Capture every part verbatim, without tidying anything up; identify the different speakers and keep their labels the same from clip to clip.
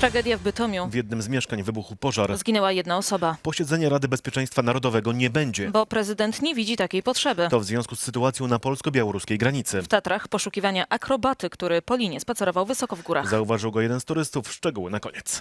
Speaker 1: Tragedia w Bytomiu.
Speaker 2: W jednym z mieszkań wybuchł pożar.
Speaker 1: Zginęła jedna osoba.
Speaker 2: Posiedzenia Rady Bezpieczeństwa Narodowego nie będzie.
Speaker 1: Bo prezydent nie widzi takiej potrzeby.
Speaker 2: To w związku z sytuacją na polsko-białoruskiej granicy.
Speaker 1: W Tatrach poszukiwania akrobaty, który po linie spacerował wysoko w górach.
Speaker 2: Zauważył go jeden z turystów. Szczegóły na koniec.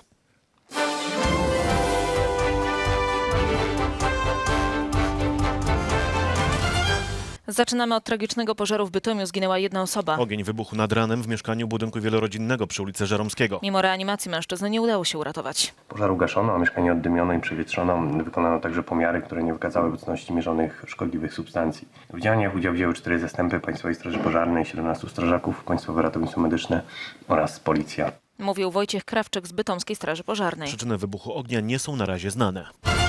Speaker 1: Zaczynamy od tragicznego pożaru w Bytomiu. Zginęła jedna osoba.
Speaker 2: Ogień wybuchł nad ranem w mieszkaniu budynku wielorodzinnego przy ulicy Żeromskiego.
Speaker 1: Mimo reanimacji mężczyzny nie udało się uratować.
Speaker 3: Pożar ugaszono, a mieszkanie oddymiono i przewietrzono. Wykonano także pomiary, które nie wykazały obecności mierzonych szkodliwych substancji. W działaniach udział wzięły cztery zastępy Państwowej Straży Pożarnej, siedemnastu strażaków, Państwowe Ratownictwo Medyczne oraz Policja.
Speaker 1: Mówił Wojciech Krawczyk z Bytomskiej Straży Pożarnej.
Speaker 2: Przyczyny wybuchu ognia nie są na razie znane.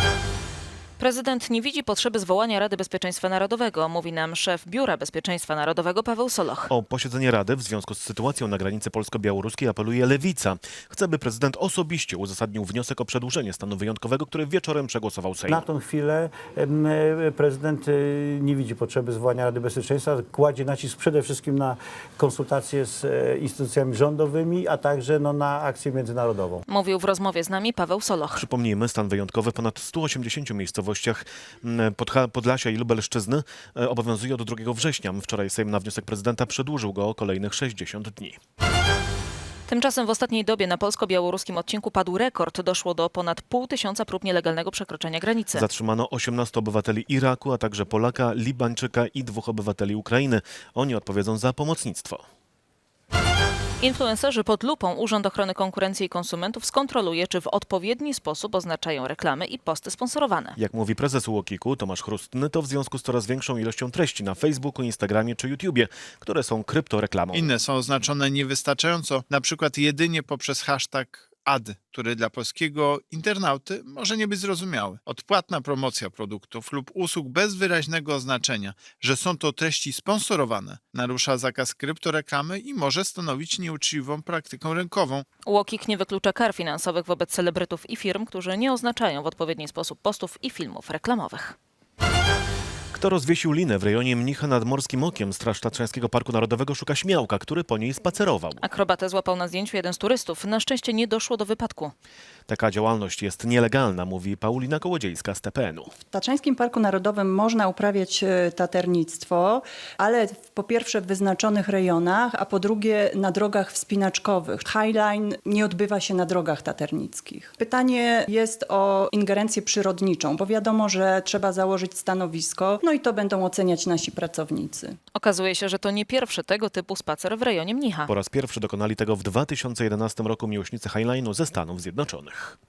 Speaker 1: Prezydent nie widzi potrzeby zwołania Rady Bezpieczeństwa Narodowego, mówi nam szef Biura Bezpieczeństwa Narodowego Paweł Soloch.
Speaker 2: O posiedzenie Rady w związku z sytuacją na granicy polsko-białoruskiej apeluje Lewica. Chce, by prezydent osobiście uzasadnił wniosek o przedłużenie stanu wyjątkowego, który wieczorem przegłosował Sejm.
Speaker 4: Na tą chwilę em, prezydent y, nie widzi potrzeby zwołania Rady Bezpieczeństwa. Kładzie nacisk przede wszystkim na konsultacje z e, instytucjami rządowymi, a także no, na akcję międzynarodową.
Speaker 1: Mówił w rozmowie z nami Paweł Soloch.
Speaker 2: Przypomnijmy, stan wyjątkowy w ponad stu osiemdziesięciu miejscowościach Podha- Podlasia i Lubelszczyzny e, obowiązuje od drugiego września. Wczoraj Sejm na wniosek prezydenta przedłużył go o kolejnych sześćdziesiąt dni.
Speaker 1: Tymczasem w ostatniej dobie na polsko-białoruskim odcinku padł rekord. Doszło do ponad pół tysiąca prób nielegalnego przekroczenia granicy.
Speaker 2: Zatrzymano osiemnastu obywateli Iraku, a także Polaka, Libańczyka i dwóch obywateli Ukrainy. Oni odpowiedzą za pomocnictwo.
Speaker 1: Influencerzy pod lupą Urząd Ochrony Konkurencji i Konsumentów skontroluje, czy w odpowiedni sposób oznaczają reklamy i posty sponsorowane.
Speaker 2: Jak mówi prezes UOKiK-u Tomasz Chrustny, to w związku z coraz większą ilością treści na Facebooku, Instagramie czy YouTubie, które są kryptoreklamą.
Speaker 5: Inne są oznaczone niewystarczająco, na przykład jedynie poprzez hashtag ad, który dla polskiego internauty może nie być zrozumiały. Odpłatna promocja produktów lub usług bez wyraźnego oznaczenia, że są to treści sponsorowane, narusza zakaz kryptoreklamy i może stanowić nieuczciwą praktykę rynkową.
Speaker 1: UOKiK nie wyklucza kar finansowych wobec celebrytów i firm, którzy nie oznaczają w odpowiedni sposób postów i filmów reklamowych.
Speaker 2: Kto rozwiesił linę w rejonie Mnicha nad Morskim Okiem? Straż Tatrzańskiego Parku Narodowego szuka śmiałka, który po niej spacerował.
Speaker 1: Akrobatę złapał na zdjęciu jeden z turystów. Na szczęście nie doszło do wypadku.
Speaker 2: Taka działalność jest nielegalna, mówi Paulina Kołodziejska z T P N u.
Speaker 6: W Tatrzańskim Parku Narodowym można uprawiać e, taternictwo, ale w, po pierwsze w wyznaczonych rejonach, a po drugie na drogach wspinaczkowych. Highline nie odbywa się na drogach taternickich. Pytanie jest o ingerencję przyrodniczą, bo wiadomo, że trzeba założyć stanowisko, no i to będą oceniać nasi pracownicy.
Speaker 1: Okazuje się, że to nie pierwszy tego typu spacer w rejonie Mnicha.
Speaker 2: Po raz pierwszy dokonali tego w dwa tysiące jedenastym roku miłośnicy Highline'u ze Stanów Zjednoczonych.